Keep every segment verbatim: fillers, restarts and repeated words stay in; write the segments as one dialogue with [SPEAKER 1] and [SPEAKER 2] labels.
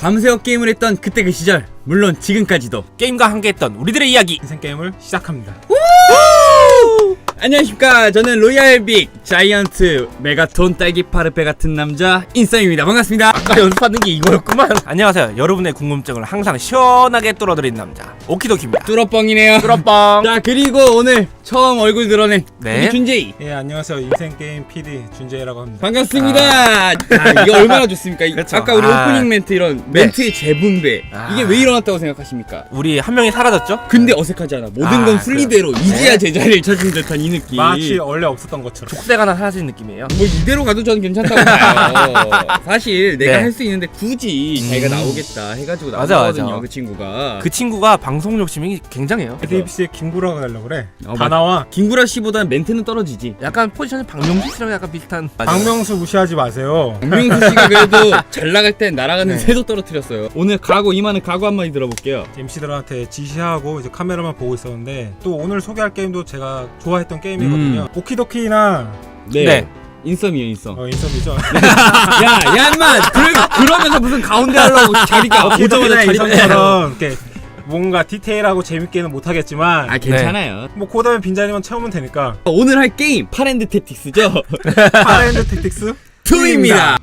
[SPEAKER 1] 밤새워 게임을 했던 그때 그 시절, 물론 지금까지도
[SPEAKER 2] 게임과 함께했던 우리들의 이야기
[SPEAKER 3] 인생 게임을 시작합니다.
[SPEAKER 1] 안녕하십니까. 저는 로얄빅 자이언트 메가톤 딸기 파르페 같은 남자 인싸입니다. 반갑습니다.
[SPEAKER 2] 아까 연습하는 게 이거였구만. 안녕하세요. 여러분의 궁금증을 항상 시원하게 뚫어드린 남자 오키도키입니다.
[SPEAKER 1] 뚜러뻥이네요.
[SPEAKER 2] 뚜러뻥.
[SPEAKER 1] 자, 그리고 오늘 처음 얼굴 드러낸
[SPEAKER 2] 네.
[SPEAKER 1] 우리 준제이
[SPEAKER 3] 예, 안녕하세요. 인생 게임 피디 준재라고 합니다.
[SPEAKER 1] 반갑습니다. 아, 이게 얼마나 좋습니까? 이-
[SPEAKER 2] 그쵸.
[SPEAKER 1] 아까 우리
[SPEAKER 2] 아.
[SPEAKER 1] 오프닝 멘트 이런
[SPEAKER 2] 네.
[SPEAKER 1] 멘트의 재분배
[SPEAKER 2] 아.
[SPEAKER 1] 이게 왜 일어났다고 생각하십니까?
[SPEAKER 2] 우리 한 명이 사라졌죠?
[SPEAKER 1] 근데 어색하지 않아. 모든
[SPEAKER 2] 아,
[SPEAKER 1] 건 순리대로
[SPEAKER 2] 그래요.
[SPEAKER 1] 이제야
[SPEAKER 2] 네.
[SPEAKER 1] 제자리를 찾은 듯한 이 느낌.
[SPEAKER 3] 마치 원래 없었던 것처럼.
[SPEAKER 2] 족쇄가 하나 사라진 느낌이에요.
[SPEAKER 1] 뭐 이대로 가도 저는 괜찮다고 봐요. 사실 내가
[SPEAKER 2] 네.
[SPEAKER 1] 할 수 있는데 굳이
[SPEAKER 2] 음.
[SPEAKER 1] 자기가 나오겠다 해가지고
[SPEAKER 2] 맞아,
[SPEAKER 1] 나오거든요.
[SPEAKER 2] 맞아.
[SPEAKER 1] 그 친구가.
[SPEAKER 2] 그 친구가 방송 욕심이 굉장해요.
[SPEAKER 3] 에디비씨의 김구라가 되려고 그래.
[SPEAKER 1] 어,
[SPEAKER 3] 다
[SPEAKER 1] 맞-
[SPEAKER 3] 나와.
[SPEAKER 1] 김구라 씨보다는 멘트는 떨어지지.
[SPEAKER 2] 약간 포지션이 박명수 씨랑 약간 비슷한.
[SPEAKER 3] 박명수 무시하지 마세요.
[SPEAKER 1] 박명수 씨가 그래도 잘 나갈 땐 날아가는
[SPEAKER 2] 네.
[SPEAKER 1] 새도 떨어뜨렸어요. 오늘 각오 이만한 각오 한마디 들어볼게요.
[SPEAKER 3] 엠씨들한테 지시하고 이제 카메라만 보고 있었는데 또 오늘 소개할 게임도 제가 좋아했던 게임이거든요. 오키도키나
[SPEAKER 1] 네.
[SPEAKER 2] 네.
[SPEAKER 1] 인썸이요 인썸.
[SPEAKER 3] 어, 인썸이죠.
[SPEAKER 1] 야, 야, 인마! 그러, 그러면서 무슨 가운데 하려고 자리가 오자마자
[SPEAKER 3] 오키도키나
[SPEAKER 1] 자리
[SPEAKER 3] 인썸처럼 이렇게 뭔가 디테일하고 재밌게는 못하겠지만
[SPEAKER 1] 아, 괜찮아요.
[SPEAKER 3] 뭐 고다음에 빈자리만 채우면 되니까.
[SPEAKER 1] 오늘 할 게임 파랜드 택틱스죠?
[SPEAKER 3] 파랜드 택틱스
[SPEAKER 1] 투입니다.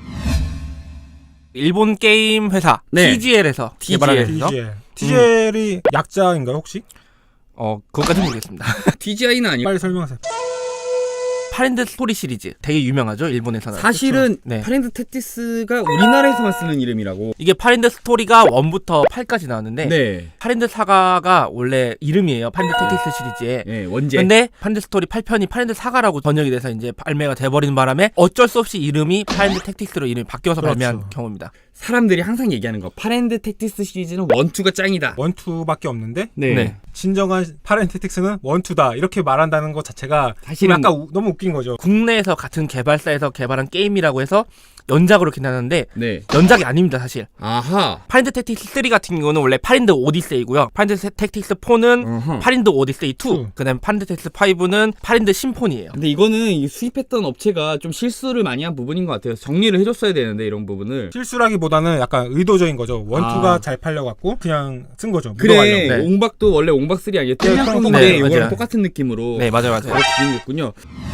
[SPEAKER 2] 일본 게임 회사
[SPEAKER 1] 네.
[SPEAKER 2] 티지엘에서
[SPEAKER 1] 티지엘.
[SPEAKER 2] 개발하는 회사죠?
[SPEAKER 3] 티지엘. 티지엘이 약자인가요 혹시?
[SPEAKER 2] 어, 그것까지 모르겠습니다.
[SPEAKER 1] 티지아이는 아니고
[SPEAKER 3] 빨리 설명하세요.
[SPEAKER 2] 파랜드 스토리 시리즈 되게 유명하죠, 일본에서는.
[SPEAKER 1] 사실은
[SPEAKER 2] 네.
[SPEAKER 1] 파랜드 택틱스가 우리나라에서만 쓰는 이름이라고.
[SPEAKER 2] 이게 파랜드 스토리가 일부터 팔까지 나왔는데
[SPEAKER 1] 네.
[SPEAKER 2] 파랜드 사가가 원래 이름이에요. 파랜드 택틱스 시리즈에.
[SPEAKER 1] 네, 원제.
[SPEAKER 2] 근데 파랜드 스토리 팔 편이 파랜드 사가라고 번역이 돼서 이제 발매가 돼버리는 바람에 어쩔 수 없이 이름이 파랜드 택틱스로 이름이 바뀌어서
[SPEAKER 3] 그렇죠.
[SPEAKER 2] 발매한 경우입니다.
[SPEAKER 1] 사람들이 항상 얘기하는 거. 파랜드 택틱스 시리즈는 원투가 짱이다.
[SPEAKER 3] 원투밖에 없는데
[SPEAKER 1] 네.
[SPEAKER 2] 네.
[SPEAKER 3] 진정한 파랜드 택틱스는 원투다 이렇게 말한다는 것 자체가
[SPEAKER 1] 사실은
[SPEAKER 3] 약간 우, 너무 웃긴 거죠.
[SPEAKER 2] 국내에서 같은 개발사에서 개발한 게임이라고 해서 연작으로 괜찮은데
[SPEAKER 1] 네.
[SPEAKER 2] 연작이 아닙니다, 사실.
[SPEAKER 1] 아하.
[SPEAKER 2] 파랜드 택틱스 쓰리 같은 경우는 원래 파랜드 오디세이고요. 파랜드 택틱스 포는
[SPEAKER 1] 어허.
[SPEAKER 2] 파랜드 오디세이 투,
[SPEAKER 3] 투.
[SPEAKER 2] 그다음 파랜드 택틱스 파이브는 파랜드 심포니예요.
[SPEAKER 1] 근데 이거는 이 수입했던 업체가 좀 실수를 많이 한 부분인 것 같아요. 정리를 해줬어야 되는데 이런 부분을.
[SPEAKER 3] 실수라기보다는 약간 의도적인 거죠. 원투가
[SPEAKER 1] 아.
[SPEAKER 3] 잘 팔려갖고 그냥 쓴 거죠.
[SPEAKER 1] 그래.
[SPEAKER 3] 묻어가려고.
[SPEAKER 2] 네.
[SPEAKER 1] 옹박도 원래 옹박쓰리 아니에요?
[SPEAKER 3] 네,
[SPEAKER 1] 땡냥콩인데
[SPEAKER 2] 네,
[SPEAKER 1] 이거랑
[SPEAKER 2] 맞아요.
[SPEAKER 1] 똑같은 느낌으로.
[SPEAKER 2] 네, 맞아요, 맞아요.
[SPEAKER 1] 그렇게 진행됐군요.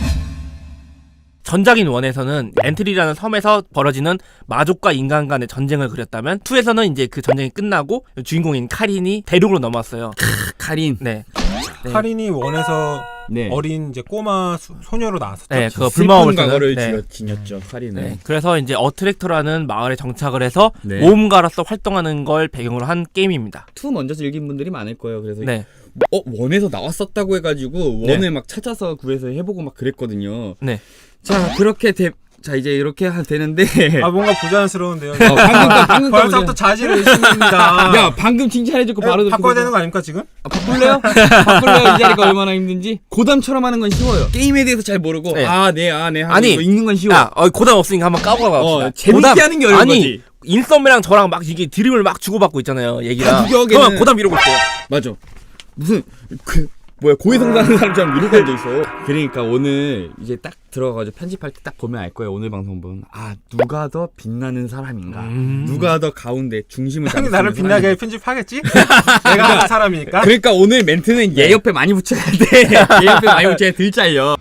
[SPEAKER 2] 전작인 원에서는 엔트리라는 섬에서 벌어지는 마족과 인간 간의 전쟁을 그렸다면 투에서는 이제 그 전쟁이 끝나고 주인공인 카린이 대륙으로 넘어왔어요.
[SPEAKER 1] 카린.
[SPEAKER 2] 네. 네.
[SPEAKER 3] 카린이 원에서
[SPEAKER 1] 네.
[SPEAKER 3] 어린 이제 꼬마 수, 소녀로 나왔었죠.
[SPEAKER 2] 네, 그거
[SPEAKER 1] 슬픈
[SPEAKER 2] 불마법을
[SPEAKER 1] 과거를
[SPEAKER 2] 쓰는, 네.
[SPEAKER 1] 지녔- 지녔죠. 카린은.
[SPEAKER 2] 네. 그래서 이제 어트랙터라는 마을에 정착을 해서
[SPEAKER 1] 네.
[SPEAKER 2] 모험가로서 활동하는 걸 배경으로 한 게임입니다.
[SPEAKER 1] 투 먼저 즐긴 분들이 많을 거예요. 그래서
[SPEAKER 2] 네.
[SPEAKER 1] 어 원에서 나왔었다고 해가지고
[SPEAKER 2] 네.
[SPEAKER 1] 원을 막 찾아서 구해서 해보고 막 그랬거든요.
[SPEAKER 2] 네.
[SPEAKER 1] 자 그렇게 돼. 자 이제 이렇게 하 되는데.
[SPEAKER 3] 아 뭔가 부자연스러운데요.
[SPEAKER 1] 어, 방금 거 방금 거
[SPEAKER 3] 벌써부터 자질을 의심합니다.
[SPEAKER 1] 야 방금 칭찬해주고 바로
[SPEAKER 3] 에, 바꿔야
[SPEAKER 1] 듣고
[SPEAKER 3] 되는 거 아닙니까 지금?
[SPEAKER 1] 아, 바꿀래요? 바꿀래요? 이 자리가 얼마나 힘든지. 고담처럼 하는 건 쉬워요. 게임에 대해서 잘 모르고
[SPEAKER 2] 네.
[SPEAKER 1] 아 네 아 네 하고
[SPEAKER 2] 아니,
[SPEAKER 1] 이거 읽는 건 쉬워.
[SPEAKER 2] 야, 어, 고담 없으니까 한번 까고 가봅시다.
[SPEAKER 1] 어, 재밌게 하는 게 어려운
[SPEAKER 2] 아니,
[SPEAKER 1] 거지.
[SPEAKER 2] 인썸이랑 저랑 막 이게 드림을 막 주고받고 있잖아요, 얘기랑.
[SPEAKER 1] 다 구겨하게는-
[SPEAKER 2] 그러면 고담 이러고 있어요.
[SPEAKER 1] 맞아. 무슨 그 뭐야 고해성사하는 사람처럼 이러고 앉아 있어. 그러니까 오늘 이제 딱 들어가가지고 편집할 때 딱 보면 알 거예요. 오늘 방송 보면 아 누가 더 빛나는 사람인가,
[SPEAKER 2] 음.
[SPEAKER 1] 누가 더 가운데 중심을 잡는
[SPEAKER 3] 형이 나를
[SPEAKER 1] 사람인가.
[SPEAKER 3] 빛나게 편집하겠지? 내가 하는 사람이니까.
[SPEAKER 1] 그러니까 오늘 멘트는 얘 옆에 많이 붙여야 돼. 얘 옆에 많이 붙여야 들 잘려.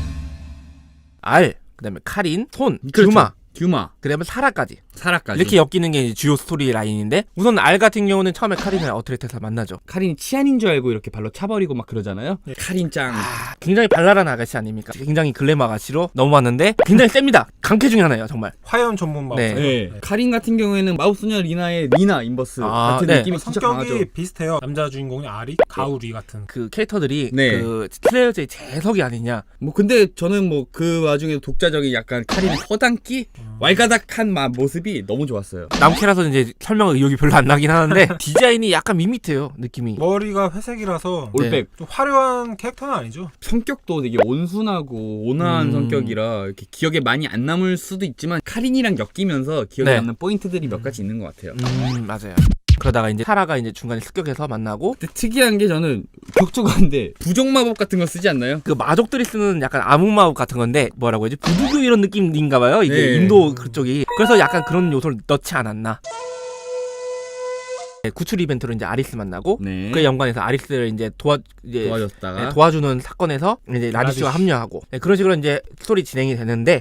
[SPEAKER 2] 알, 그다음에 카린, 손,
[SPEAKER 1] 그렇죠.
[SPEAKER 2] 규마,
[SPEAKER 1] 규마,
[SPEAKER 2] 그다음에 사라까지.
[SPEAKER 1] 사라까지.
[SPEAKER 2] 이렇게 엮이는 게 이제 주요 스토리 라인인데 우선 알 같은 경우는 처음에 카린을 어트랙터에서 만나죠.
[SPEAKER 1] 카린이 치안인 줄 알고 이렇게 발로 차버리고 막 그러잖아요.
[SPEAKER 3] 네.
[SPEAKER 1] 카린 짱.
[SPEAKER 2] 아, 굉장히 발랄한 아가씨 아닙니까? 굉장히 글래머 아가씨로 넘어왔는데 굉장히 셉니다. 강캐 중에 하나예요, 정말.
[SPEAKER 3] 화염 전문 마법.
[SPEAKER 2] 네.
[SPEAKER 1] 네. 카린 같은 경우에는 마법소녀 리나의 리나 인버스
[SPEAKER 2] 아,
[SPEAKER 1] 같은
[SPEAKER 2] 네.
[SPEAKER 1] 느낌이 진짜
[SPEAKER 3] 성격이
[SPEAKER 1] 강하죠.
[SPEAKER 3] 비슷해요. 남자 주인공이 아리, 가우리 같은.
[SPEAKER 2] 그 캐릭터들이
[SPEAKER 1] 네.
[SPEAKER 2] 그 슬레이어즈의 재석이 아니냐.
[SPEAKER 1] 뭐 근데 저는 뭐 그 와중에 독자적인 약간 카린의 허당기 왈가닥한 마- 모습이 너무 좋았어요.
[SPEAKER 2] 남캐라서 이제 설명 의욕이 별로 안 나긴 하는데 디자인이 약간 밋밋해요, 느낌이.
[SPEAKER 3] 머리가 회색이라서
[SPEAKER 2] 네.
[SPEAKER 1] 올백
[SPEAKER 3] 좀 화려한 캐릭터는 아니죠.
[SPEAKER 1] 성격도 되게 온순하고 온화한
[SPEAKER 2] 음.
[SPEAKER 1] 성격이라 이렇게 기억에 많이 안 남을 수도 있지만 카린이랑 엮이면서 기억에
[SPEAKER 2] 네.
[SPEAKER 1] 남는 포인트들이 몇 가지 있는 것 같아요.
[SPEAKER 2] 음, 맞아요. 그러다가 이제 사라가 이제 중간에 습격해서 만나고
[SPEAKER 1] 근데 특이한 게 저는 격조가인데 부정 마법 같은 거 쓰지 않나요?
[SPEAKER 2] 그 마족들이 쓰는 약간 암흑 마법 같은 건데 뭐라고 해야지 부두교 이런 느낌인가 봐요. 이게
[SPEAKER 1] 네.
[SPEAKER 2] 인도 그쪽이. 그래서 약간 그런 요소를 넣지 않았나. 구출 이벤트로 이제 아리스 만나고
[SPEAKER 1] 네.
[SPEAKER 2] 그 연관해서 아리스를 이제 도와 이제
[SPEAKER 1] 도와줬다가
[SPEAKER 2] 네, 도와주는 사건에서 이제 라디슈가
[SPEAKER 3] 라디슈.
[SPEAKER 2] 합류하고 네, 그런 식으로 이제 스토리 진행이 되는데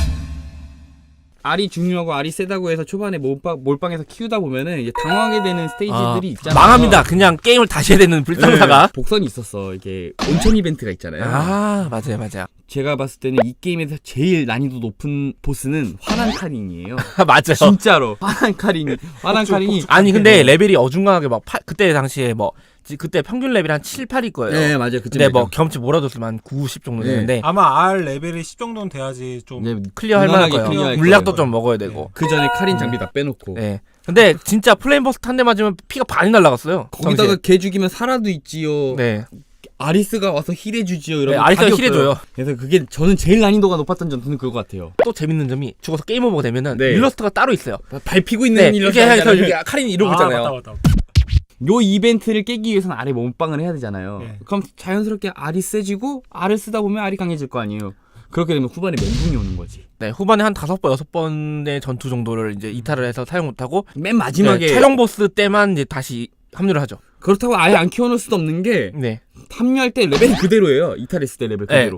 [SPEAKER 1] 알이 중요하고 알이 세다고 해서 초반에 몰빵, 몰빵해서 키우다 보면은 이제 당황하게 되는 스테이지들이 있잖아요.
[SPEAKER 2] 망합니다. 그냥 게임을 다시 해야 되는 불상사가.
[SPEAKER 1] 네, 복선이 있었어. 이게 온천 이벤트가 있잖아요.
[SPEAKER 2] 아 맞아요, 맞아요.
[SPEAKER 1] 제가 봤을 때는 이 게임에서 제일 난이도 높은 보스는 화난 카린이에요.
[SPEAKER 2] 맞아요.
[SPEAKER 1] 진짜로 화난 카린이 화난 카린이
[SPEAKER 2] 아니 근데 레벨이 어중간하게 막 팔, 그때 당시에 뭐 지- 그때 평균 레벨이 한 칠, 팔일 거예요.
[SPEAKER 1] 네 맞아요. 그때
[SPEAKER 2] 근데 뭐 경험치 몰아줬으면 한 구, 십 정도
[SPEAKER 1] 네.
[SPEAKER 2] 되는데
[SPEAKER 3] 아마 R 레벨이 십 정도는 돼야지 좀
[SPEAKER 1] 네,
[SPEAKER 2] 클리어 할 만할
[SPEAKER 1] 무난하게
[SPEAKER 2] 거예요.
[SPEAKER 1] 클리어할
[SPEAKER 2] 물약도
[SPEAKER 1] 거예요.
[SPEAKER 2] 좀 먹어야 되고.
[SPEAKER 1] 그 전에 카린 장비 다 빼놓고
[SPEAKER 2] 네. 근데 진짜 플레임 버스트 한 대 맞으면 피가 반이 날라갔어요.
[SPEAKER 1] 거기다가
[SPEAKER 2] 당시에.
[SPEAKER 1] 개 죽이면 살아도 있지요.
[SPEAKER 2] 네.
[SPEAKER 1] 아리스가 와서 힐해주지요.
[SPEAKER 2] 네,
[SPEAKER 1] 이러면
[SPEAKER 2] 아리스가
[SPEAKER 1] 답이 없어요.
[SPEAKER 2] 힐해줘요.
[SPEAKER 1] 그래서 그게 저는 제일 난이도가 높았던 전투는 그거 같아요.
[SPEAKER 2] 또 재밌는 점이 죽어서 게임 오버가 되면은
[SPEAKER 1] 네.
[SPEAKER 2] 일러스트가 따로 있어요.
[SPEAKER 1] 밟히고 있는
[SPEAKER 2] 네.
[SPEAKER 1] 일러스트
[SPEAKER 2] 이렇게 해서
[SPEAKER 1] 하잖아요.
[SPEAKER 2] 이렇게 카린이 이러고
[SPEAKER 3] 아,
[SPEAKER 2] 있잖아요.
[SPEAKER 3] 맞다, 맞다, 맞다.
[SPEAKER 1] 요 이벤트를 깨기 위해서는 알에 몸빵을 해야 되잖아요.
[SPEAKER 3] 네.
[SPEAKER 1] 그럼 자연스럽게 알이 세지고 알을 쓰다 보면 알이 강해질 거 아니에요. 그렇게 되면 후반에 멘붕이 오는 거지.
[SPEAKER 2] 네, 후반에 한 다섯 번, 여섯 번의 전투 정도를 이제 이탈을 해서 사용 못하고
[SPEAKER 1] 맨 마지막에
[SPEAKER 2] 네, 최종 보스 때만 이제 다시 합류를 하죠.
[SPEAKER 1] 그렇다고 아예 안 키워놓을 수도 없는 게
[SPEAKER 2] 네.
[SPEAKER 1] 합류할 때 레벨이 그대로예요. 이탈했을 때 레벨
[SPEAKER 2] 네.
[SPEAKER 1] 그대로.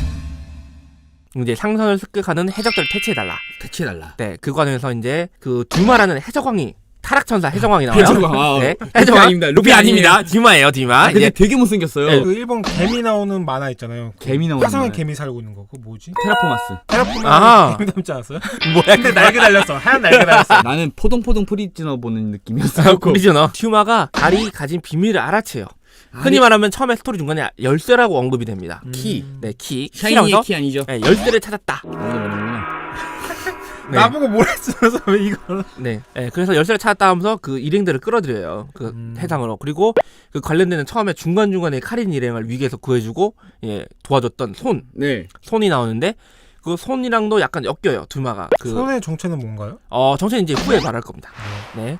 [SPEAKER 2] 이제 상선을 습격하는 해적들을 퇴치해달라.
[SPEAKER 1] 대체달라.
[SPEAKER 2] 네, 그 과정에서 이제 그 듀마라는 해적왕이 타락천사 해적왕이 나와요.
[SPEAKER 1] 해적왕, 아,
[SPEAKER 2] 네,
[SPEAKER 1] 루피
[SPEAKER 2] 해적왕
[SPEAKER 1] 아닙니다.
[SPEAKER 2] 루피
[SPEAKER 1] 루피
[SPEAKER 2] 아닙니다. 듀마예요, 듀마.
[SPEAKER 1] 아, 근데
[SPEAKER 2] 이제
[SPEAKER 1] 되게 못생겼어요.
[SPEAKER 2] 네.
[SPEAKER 3] 그 일본 개미 나오는 만화 있잖아요. 그
[SPEAKER 1] 개미 나오는
[SPEAKER 3] 화성에
[SPEAKER 1] 만화.
[SPEAKER 3] 개미 살고 있는 거. 그거 뭐지?
[SPEAKER 1] 테라포마스.
[SPEAKER 3] 테라포마
[SPEAKER 2] 아.
[SPEAKER 3] 개미 닮지 않았어요?
[SPEAKER 2] 뭐야?
[SPEAKER 3] 근데 날개 달렸어. 하얀 날개 달렸어.
[SPEAKER 1] 나는 포동포동 프리즈너 보는 느낌이었어.
[SPEAKER 2] 오리지너. 듀마가 알이 가진 비밀을 알아채요. 흔히 말하면 처음에 스토리 중간에 열쇠라고 언급이 됩니다.
[SPEAKER 1] 키.
[SPEAKER 2] 네, 키.
[SPEAKER 1] 샤이니의
[SPEAKER 2] 키라면서
[SPEAKER 1] 키 아니죠?
[SPEAKER 2] 네, 열쇠를 찾았다.
[SPEAKER 1] 아무도 모르는구나.
[SPEAKER 2] 네.
[SPEAKER 3] 나보고 뭐라 했으면서 왜 이걸?
[SPEAKER 2] 네. 네, 그래서 열쇠를 찾았다 하면서 그 일행들을 끌어들여요. 그
[SPEAKER 3] 음.
[SPEAKER 2] 해상으로. 그리고 그 관련되는 처음에 중간중간에 카린 일행을 위기에서 구해주고 예, 도와줬던 손.
[SPEAKER 1] 네.
[SPEAKER 2] 손이 나오는데 그 손이랑도 약간 엮여요. 두마가. 그
[SPEAKER 3] 손의 정체는 뭔가요?
[SPEAKER 2] 어, 정체는 이제 후에 말할 겁니다. 네.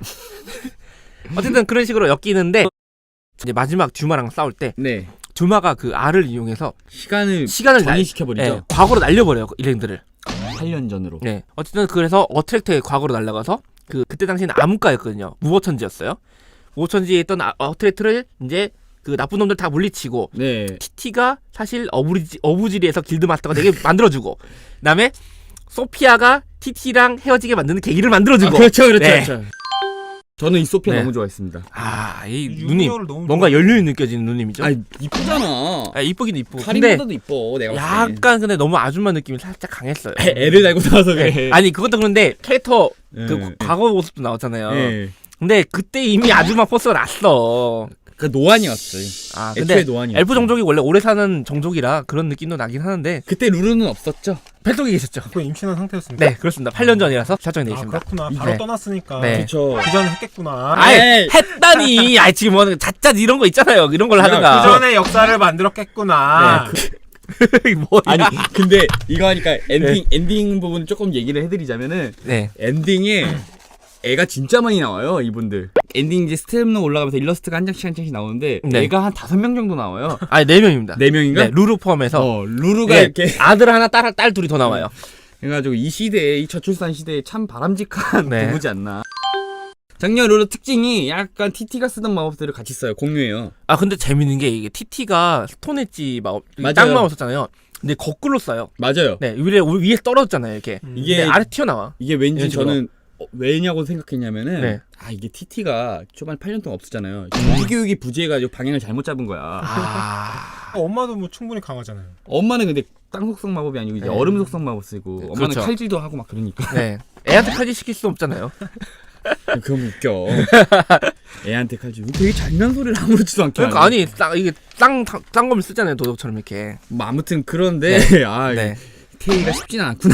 [SPEAKER 2] 어쨌든 그런 식으로 엮이는데 이제 마지막 듀마랑 싸울 때
[SPEAKER 1] 네.
[SPEAKER 2] 듀마가 그 알을 이용해서
[SPEAKER 1] 시간을
[SPEAKER 2] 시간을 날,
[SPEAKER 1] 전이시켜버리죠.
[SPEAKER 2] 예, 과거로 날려버려요. 그 일행들을.
[SPEAKER 1] 팔 년 전으로.
[SPEAKER 2] 네. 어쨌든 그래서 어트랙터의 과거로 날아가서 그 그때 당시에는 암흑가였거든요. 무보천지였어요. 무보천지에 있던 아, 어트랙터를 이제 그 나쁜 놈들 다 물리치고
[SPEAKER 1] 네.
[SPEAKER 2] 티티가 사실 어부지, 어부지리에서 길드 마스터가 되게 만들어주고 그다음에 소피아가 티티랑 헤어지게 만드는 계기를 만들어주고
[SPEAKER 1] 아, 그렇죠, 그렇죠,
[SPEAKER 2] 네.
[SPEAKER 1] 그렇죠. 저는 이 소피아
[SPEAKER 2] 네.
[SPEAKER 1] 너무 좋아했습니다.
[SPEAKER 2] 아, 이
[SPEAKER 3] 유부녀를
[SPEAKER 2] 누님
[SPEAKER 3] 너무
[SPEAKER 2] 뭔가
[SPEAKER 3] 좋아해.
[SPEAKER 2] 연륜이 느껴지는 누님이죠.
[SPEAKER 1] 아, 이쁘잖아.
[SPEAKER 2] 아, 이쁘긴 이쁘고 근데
[SPEAKER 1] 카린보다도 이뻐. 내가 봤을 때.
[SPEAKER 2] 약간 근데 너무 아줌마 느낌이 살짝 강했어요.
[SPEAKER 1] 애, 애를 달고 나와서 그래.
[SPEAKER 2] 네. 아니 그것도 그런데 캐릭터
[SPEAKER 1] 네.
[SPEAKER 2] 그 과거 모습도 나왔잖아요.
[SPEAKER 1] 네.
[SPEAKER 2] 근데 그때 이미 아줌마 포스가 났어.
[SPEAKER 1] 그 노안이었지.
[SPEAKER 2] 아
[SPEAKER 1] 애초에
[SPEAKER 2] 근데
[SPEAKER 1] 노안이었지.
[SPEAKER 2] 엘프 종족이 원래 오래 사는 종족이라 그런 느낌도 나긴 하는데
[SPEAKER 1] 그때 루루는 없었죠.
[SPEAKER 2] 뱃속에 계셨죠.
[SPEAKER 3] 그 임신한 상태였습니까?
[SPEAKER 2] 네 그렇습니다. 팔 년 전이라서 설정이 되어
[SPEAKER 3] 아
[SPEAKER 2] 있습니다.
[SPEAKER 3] 그렇구나. 바로
[SPEAKER 2] 네.
[SPEAKER 3] 떠났으니까.
[SPEAKER 2] 네.
[SPEAKER 1] 그렇죠.
[SPEAKER 3] 그 전에 했겠구나.
[SPEAKER 2] 아예 했다니. 아 지금 뭐 자짜 이런 거 있잖아요. 이런 걸
[SPEAKER 1] 야,
[SPEAKER 3] 그
[SPEAKER 2] 하든가.
[SPEAKER 3] 전에 역사를 만들었겠구나.
[SPEAKER 2] 네, 뭐야?
[SPEAKER 1] 아니 근데 이거 하니까 엔딩 엔딩 부분 조금 얘기를 해드리자면은
[SPEAKER 2] 네.
[SPEAKER 1] 엔딩에 애가 진짜 많이 나와요 이분들. 엔딩 이제 스텝로 올라가면서 일러스트가 한 장씩 한 장씩 나오는데
[SPEAKER 2] 네.
[SPEAKER 1] 애가 한 다섯 명 정도 나와요.
[SPEAKER 2] 아니 네 명입니다.
[SPEAKER 1] 네 명인가?
[SPEAKER 2] 네, 루루 포함해서
[SPEAKER 1] 어 루루가
[SPEAKER 2] 네,
[SPEAKER 1] 이렇게
[SPEAKER 2] 아들 하나 딸, 딸 둘이 더 나와요.
[SPEAKER 1] 그래가지고 이 시대에 이 저출산 시대에 참 바람직한
[SPEAKER 2] 네.
[SPEAKER 1] 부부지 않나. 작년 루루 특징이 약간 티티가 쓰던 마법들을 같이 써요. 공유해요.
[SPEAKER 2] 아 근데 재밌는 게 이게 티티가 스톤 엣지 마법
[SPEAKER 1] 맞아요.
[SPEAKER 2] 땅 마법 썼잖아요. 근데 거꾸로 써요.
[SPEAKER 1] 맞아요.
[SPEAKER 2] 네 위에 위에 떨어졌잖아요 이렇게.
[SPEAKER 3] 음.
[SPEAKER 1] 이게
[SPEAKER 2] 근데 아래 튀어나와.
[SPEAKER 1] 이게 왠지
[SPEAKER 2] 이런 식으로.
[SPEAKER 1] 저는 어, 왜냐고 생각했냐면은
[SPEAKER 2] 네.
[SPEAKER 1] 아 이게 티티가 초반 팔 년 동안 없었잖아요. 조기 교육이 부재해가지고 방향을 잘못 잡은 거야.
[SPEAKER 2] 아
[SPEAKER 3] 어, 엄마도 뭐 충분히 강하잖아요.
[SPEAKER 1] 엄마는 근데 땅 속성 마법이 아니고 이제
[SPEAKER 2] 네.
[SPEAKER 1] 얼음 속성 마법 쓰고 엄마는
[SPEAKER 2] 그렇죠.
[SPEAKER 1] 칼질도 하고 막 그러니까
[SPEAKER 2] 네. 애한테 칼질 시킬 수 없잖아요.
[SPEAKER 1] 그럼 웃겨. 애한테 칼질 되게 잔인한 소리를 아무렇지도 않게
[SPEAKER 2] 그러니까
[SPEAKER 1] 하네.
[SPEAKER 2] 아니 땅 이게 땅땅 검을 쓰잖아요 도덕처럼 이렇게.
[SPEAKER 1] 뭐 아무튼 그런데 아
[SPEAKER 2] 네.
[SPEAKER 1] 테이가 쉽진 않구나.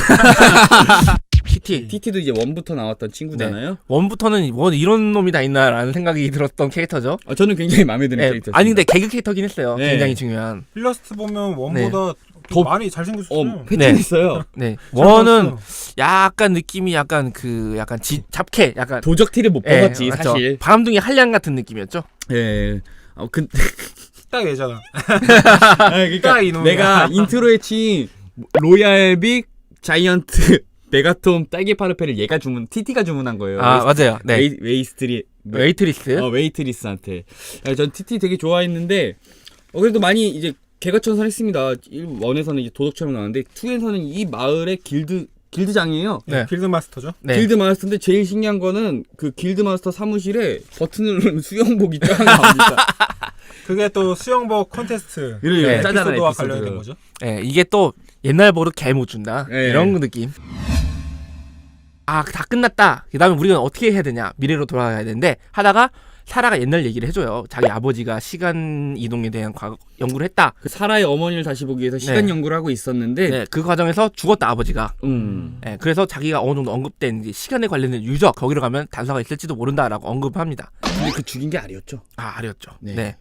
[SPEAKER 2] 티티
[SPEAKER 1] 티티도 이제 원부터 나왔던 친구잖아요.
[SPEAKER 2] 원부터는 원 이런 놈이 다 있나라는 생각이 들었던 캐릭터죠.
[SPEAKER 1] 아, 저는 굉장히 마음에 드는
[SPEAKER 2] 네.
[SPEAKER 1] 캐릭터였어요.
[SPEAKER 2] 아니 근데 개그 캐릭터긴 했어요.
[SPEAKER 1] 네.
[SPEAKER 2] 굉장히 중요한.
[SPEAKER 3] 일러스트 보면 원보다
[SPEAKER 1] 더-
[SPEAKER 3] 많이 잘생겼어요.
[SPEAKER 1] 어 패턴했어요.
[SPEAKER 2] 네.
[SPEAKER 3] 잘
[SPEAKER 2] 원은
[SPEAKER 3] 나왔어요.
[SPEAKER 2] 약간 느낌이 약간 그 약간 지, 잡캐 약간
[SPEAKER 1] 도적 티를 못
[SPEAKER 2] 예,
[SPEAKER 1] 뽑았지
[SPEAKER 2] 맞죠.
[SPEAKER 1] 사실.
[SPEAKER 2] 바람둥이 한량 같은 느낌이었죠.
[SPEAKER 1] 예. 어, 근
[SPEAKER 3] 딱 얘잖아.
[SPEAKER 1] 아, 그러니까
[SPEAKER 3] 딱 이놈이야.
[SPEAKER 1] 내가 인트로에 친 로얄빅 자이언트 메가톰 딸기 파르페를 얘가 주문 티티가 주문한 거예요.
[SPEAKER 2] 아 맞아요. 네.
[SPEAKER 1] 웨이, 웨이스트리
[SPEAKER 2] 웨이트리스.
[SPEAKER 1] 어, 웨이트리스한테. 아, 전 티티 되게 좋아했는데 어, 그래도 많이 이제 개과천선했습니다. 일에서는 이제 도덕처럼 나왔는데 이에서는 이 마을의 길드 길드장이에요.
[SPEAKER 2] 네.
[SPEAKER 3] 필드 마스터죠.
[SPEAKER 2] 네.
[SPEAKER 1] 길드 마스터인데 제일 신기한 거는 그 길드 마스터 사무실에 버튼을 누르는 수영복이 쫙 나옵니다.
[SPEAKER 3] 그게 또 수영복 콘테스트
[SPEAKER 1] 그래요.
[SPEAKER 2] 네.
[SPEAKER 1] 짜잖아,
[SPEAKER 3] 에피소드와
[SPEAKER 1] 에피소드.
[SPEAKER 3] 관련된 거죠.
[SPEAKER 2] 예, 이게 또 옛날 버릇 개 못 준다.
[SPEAKER 1] 네.
[SPEAKER 2] 이런 느낌. 아, 다 끝났다. 그다음에 우리가 어떻게 해야 되냐? 미래로 돌아가야 되는데 하다가 사라가 옛날 얘기를 해줘요. 자기 아버지가 시간 이동에 대한 과거 연구를 했다.
[SPEAKER 1] 그 사라의 어머니를 다시 보기 위해서 시간
[SPEAKER 2] 네.
[SPEAKER 1] 연구를 하고 있었는데
[SPEAKER 2] 네, 그 과정에서 죽었다 아버지가.
[SPEAKER 1] 음.
[SPEAKER 2] 예, 그래서 자기가 어느 정도 언급된 이제 시간에 관련된 유적 거기로 가면 단서가 있을지도 모른다라고 언급합니다.
[SPEAKER 1] 근데 그 죽인 게 아리였죠.
[SPEAKER 2] 아, 알았죠.
[SPEAKER 1] 네.
[SPEAKER 2] 네.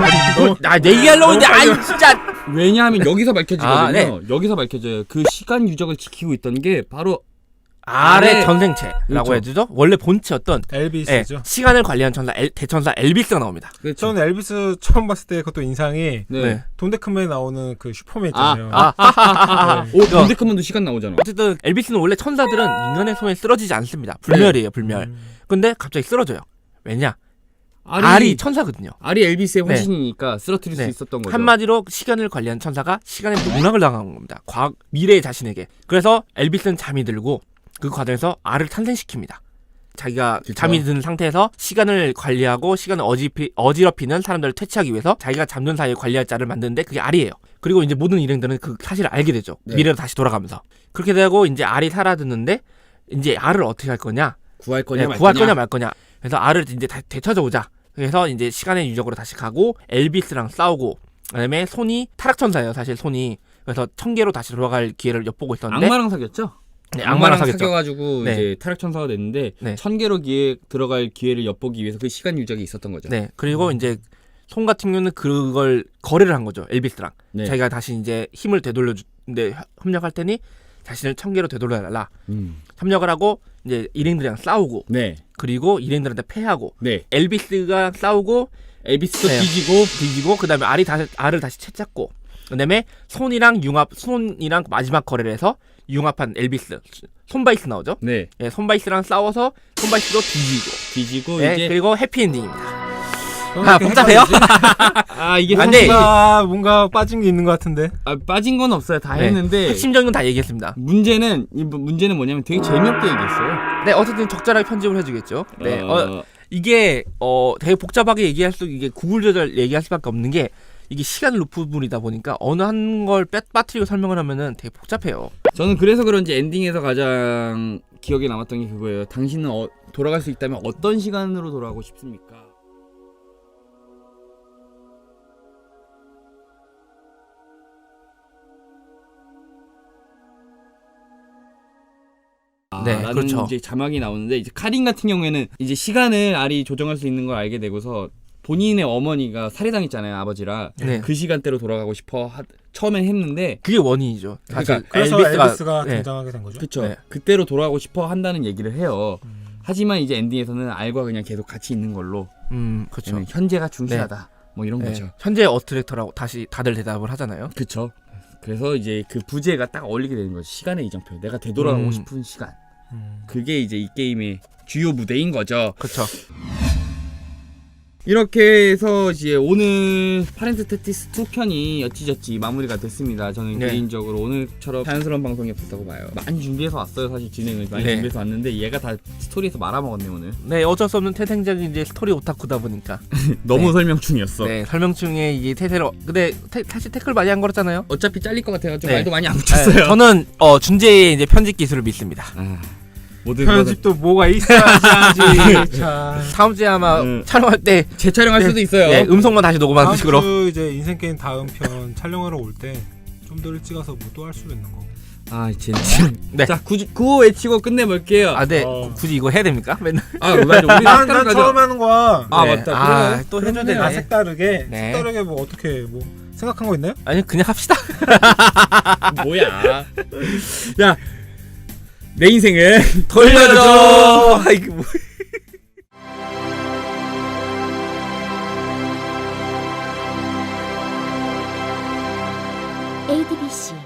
[SPEAKER 2] 나내 얘기하려고 했는데 아이 진짜.
[SPEAKER 1] 왜냐하면 여기서 밝혀지거든요.
[SPEAKER 2] 아, 네.
[SPEAKER 1] 여기서 밝혀져요. 그 시간 유적을 지키고 있던 게 바로
[SPEAKER 2] 아래
[SPEAKER 1] 아래-
[SPEAKER 2] 전생체라고
[SPEAKER 1] 그렇죠.
[SPEAKER 2] 해주죠. 원래 본체였던 예,
[SPEAKER 3] 엘비스죠.
[SPEAKER 2] 시간을 관리한 천사 엘, 대천사 엘비스가 나옵니다.
[SPEAKER 1] 그렇죠.
[SPEAKER 3] 저는 엘비스 처음 봤을 때 그것도 인상이
[SPEAKER 1] 네.
[SPEAKER 2] 네.
[SPEAKER 3] 돈데크맨에 나오는 그 슈퍼맨 있잖아요.
[SPEAKER 2] 아, 아,
[SPEAKER 3] 네.
[SPEAKER 1] 오, 돈데크먼도 시간 나오잖아.
[SPEAKER 2] 어쨌든 엘비스는 원래 천사들은 인간의 손에 쓰러지지 않습니다. 불멸이에요, 불멸.
[SPEAKER 3] 음.
[SPEAKER 2] 근데 갑자기 쓰러져요. 왜냐?
[SPEAKER 1] 아리,
[SPEAKER 2] 알이 천사거든요.
[SPEAKER 1] 아리 엘비스의
[SPEAKER 2] 네.
[SPEAKER 1] 화신이니까 쓰러뜨릴
[SPEAKER 2] 네.
[SPEAKER 1] 수 있었던 거죠.
[SPEAKER 2] 한마디로 시간을 관리한 천사가 시간의 농락을 당한 겁니다. 과학, 미래의 자신에게. 그래서 엘비스는 잠이 들고 그 과정에서 알을 탄생시킵니다. 자기가
[SPEAKER 1] 그쵸.
[SPEAKER 2] 잠이 든 상태에서 시간을 관리하고 시간을 어지피, 어지럽히는 사람들을 퇴치하기 위해서 자기가 잠든 사이에 관리할 자를 만드는데 그게 알이에요. 그리고 이제 모든 일행들은 그 사실을 알게 되죠.
[SPEAKER 1] 네.
[SPEAKER 2] 미래로 다시 돌아가면서. 그렇게 되고 이제 알이 사라졌는데 이제 알을 어떻게 할 거냐?
[SPEAKER 1] 구할 거냐
[SPEAKER 2] 네,
[SPEAKER 1] 말
[SPEAKER 2] 구할
[SPEAKER 1] 거냐.
[SPEAKER 2] 거냐 말 거냐. 그래서 알을 이제 다 되찾아오자. 그래서 이제 시간의 유적으로 다시 가고 엘비스랑 싸우고 그다음에 손이 타락천사예요. 사실 손이. 그래서 천계로 다시 돌아갈 기회를 엿보고 있었는데
[SPEAKER 1] 악마랑 사귀었죠?
[SPEAKER 2] 네,
[SPEAKER 1] 악마랑
[SPEAKER 2] 악마랑 사귀었죠.
[SPEAKER 1] 사귀어가지고
[SPEAKER 2] 네.
[SPEAKER 1] 이제 타락천사가 됐는데
[SPEAKER 2] 네.
[SPEAKER 1] 천계로 기회 들어갈 기회를 엿보기 위해서 그 시간 유적이 있었던 거죠.
[SPEAKER 2] 네. 그리고 이제 손 같은 경우는 그걸 거래를 한 거죠. 엘비스랑.
[SPEAKER 1] 네.
[SPEAKER 2] 자기가 다시 이제 힘을 되돌려 주는데 협력할 테니 자신을 천계로 되돌려달라.
[SPEAKER 1] 음.
[SPEAKER 2] 협력을 하고 이제 일행들이랑 싸우고
[SPEAKER 1] 네.
[SPEAKER 2] 그리고 일행들한테 패하고
[SPEAKER 1] 네.
[SPEAKER 2] 엘비스가 싸우고
[SPEAKER 1] 엘비스도
[SPEAKER 2] 네.
[SPEAKER 1] 뒤지고
[SPEAKER 2] 뒤지고 그다음에 알이 다시 알을 다시 채잡고 그다음에 손이랑 융합 손이랑 마지막 거래를 해서 융합한 엘비스 손바이스 나오죠.
[SPEAKER 1] 네.
[SPEAKER 2] 예, 손바이스랑 싸워서 손바이스도 뒤지고
[SPEAKER 1] 뒤지고
[SPEAKER 2] 예,
[SPEAKER 1] 이제
[SPEAKER 2] 그리고 해피엔딩입니다.
[SPEAKER 3] 저는
[SPEAKER 2] 아,
[SPEAKER 3] 이렇게
[SPEAKER 2] 복잡해요?
[SPEAKER 1] 아 이게
[SPEAKER 2] 안 돼.
[SPEAKER 3] 뭔가 뭔가 빠진 게 있는 것 같은데.
[SPEAKER 1] 아, 빠진 건 없어요. 다
[SPEAKER 2] 네.
[SPEAKER 1] 했는데
[SPEAKER 2] 핵심적인 건 다 얘기했습니다.
[SPEAKER 1] 문제는 이 문- 문제는 뭐냐면 되게 재미없게 얘기했어요.
[SPEAKER 2] 네, 어쨌든 적절하게 편집을 해주겠죠. 네, 어,
[SPEAKER 1] 어,
[SPEAKER 2] 이게 어 되게 복잡하게 얘기할 수 이게 구글 조절 얘기할 수밖에 없는 게 이게 시간 루프물이다 보니까 어느 한 걸 빠뜨리고 설명을 하면은 되게 복잡해요.
[SPEAKER 1] 저는 그래서 그런지 엔딩에서 가장 기억에 남았던 게 그거예요. 당신은 어, 돌아갈 수 있다면 어떤 시간으로 돌아가고 싶습니까? 아,
[SPEAKER 2] 네,
[SPEAKER 1] 라는
[SPEAKER 2] 그렇죠.
[SPEAKER 1] 이제 자막이 나오는데 이제 카린 같은 경우에는 이제 시간을 알이 조정할 수 있는 걸 알게 되고서 본인의 어머니가 살해당했잖아요, 아버지라.
[SPEAKER 2] 네.
[SPEAKER 1] 그 시간대로 돌아가고 싶어 하, 처음엔 했는데
[SPEAKER 2] 그게 원인이죠. 사실
[SPEAKER 1] 그러니까
[SPEAKER 3] 그래서
[SPEAKER 2] 엘비스가,
[SPEAKER 3] 엘비스가
[SPEAKER 2] 네.
[SPEAKER 3] 등장하게 된 거죠.
[SPEAKER 1] 그쵸.
[SPEAKER 2] 네.
[SPEAKER 1] 그때로 돌아가고 싶어 한다는 얘기를 해요.
[SPEAKER 3] 음.
[SPEAKER 1] 하지만 이제 엔딩에서는 알과 그냥 계속 같이 있는 걸로.
[SPEAKER 2] 음, 그렇죠.
[SPEAKER 1] 왜냐면 현재가 중시하다. 뭐 이런
[SPEAKER 2] 네,
[SPEAKER 1] 거죠.
[SPEAKER 2] 현재 어트랙터라고 다시 다들 대답을 하잖아요.
[SPEAKER 1] 그쵸. 그래서 이제 그 부제가 딱 어울리게 되는 거죠. 시간의 이정표. 내가 되돌아가고
[SPEAKER 2] 음.
[SPEAKER 1] 싶은 시간.
[SPEAKER 3] 음.
[SPEAKER 1] 그게 이제 이 게임의 주요 무대인 거죠.
[SPEAKER 2] 그렇죠.
[SPEAKER 1] 이렇게 해서 이제 오늘 파렌트 테티스 이 편이 어찌저찌 마무리가 됐습니다. 저는
[SPEAKER 2] 네.
[SPEAKER 1] 개인적으로 오늘처럼 자연스러운 방송이 없었다고 봐요. 많이 준비해서 왔어요. 사실 진행을 많이
[SPEAKER 2] 네.
[SPEAKER 1] 준비해서 왔는데 얘가 다 스토리에서 말아먹었네 오늘.
[SPEAKER 2] 네, 어쩔 수 없는 태생적인 이제 스토리 오타쿠다 보니까.
[SPEAKER 1] 너무
[SPEAKER 2] 네.
[SPEAKER 1] 설명충이었어.
[SPEAKER 2] 네, 설명충에 이게 태세로. 근데 태, 사실 태클 많이 한 거였잖아요.
[SPEAKER 1] 어차피 잘릴 것 같아가지고
[SPEAKER 2] 네.
[SPEAKER 1] 말도 많이 안
[SPEAKER 2] 네,
[SPEAKER 1] 붙였어요.
[SPEAKER 2] 저는 어 준재의 이제 편집 기술을 믿습니다.
[SPEAKER 1] 아, 모든 것은
[SPEAKER 3] 편집도 뭐가 있어야지. 자,
[SPEAKER 2] 다음 주에 아마
[SPEAKER 1] 음.
[SPEAKER 2] 촬영할 때
[SPEAKER 1] 재촬영할
[SPEAKER 2] 네.
[SPEAKER 1] 수도 있어요.
[SPEAKER 2] 네, 음성만 다시 녹음하는
[SPEAKER 3] 다음
[SPEAKER 2] 식으로.
[SPEAKER 3] 주 이제 인생 게임 다음 편 촬영하러 올 때 좀 더 일찍 와서 뭐 또 할 수도 있는 거.
[SPEAKER 1] 아 진짜.
[SPEAKER 2] 네.
[SPEAKER 1] 자 구, 구호 외치고 끝내볼게요.
[SPEAKER 2] 아, 네.
[SPEAKER 3] 어.
[SPEAKER 2] 굳이 이거 해야 됩니까? 맨날.
[SPEAKER 1] 아 맞아. 우리
[SPEAKER 3] 난,
[SPEAKER 1] 색다른
[SPEAKER 3] 난
[SPEAKER 1] 가자.
[SPEAKER 3] 처음 하는 거야.
[SPEAKER 1] 아
[SPEAKER 2] 네.
[SPEAKER 1] 맞다.
[SPEAKER 2] 아,
[SPEAKER 1] 그래.
[SPEAKER 2] 또 해줘야
[SPEAKER 3] 그러면 아,
[SPEAKER 2] 되네.
[SPEAKER 3] 색다르게
[SPEAKER 2] 네.
[SPEAKER 3] 색다르게 뭐 어떻게 뭐 생각한 거 있나요?
[SPEAKER 2] 아니, 그냥 합시다.
[SPEAKER 1] 뭐야? 야, 내 인생을
[SPEAKER 2] 돌려줘. 아, 이게 뭐.
[SPEAKER 4] 에이디비씨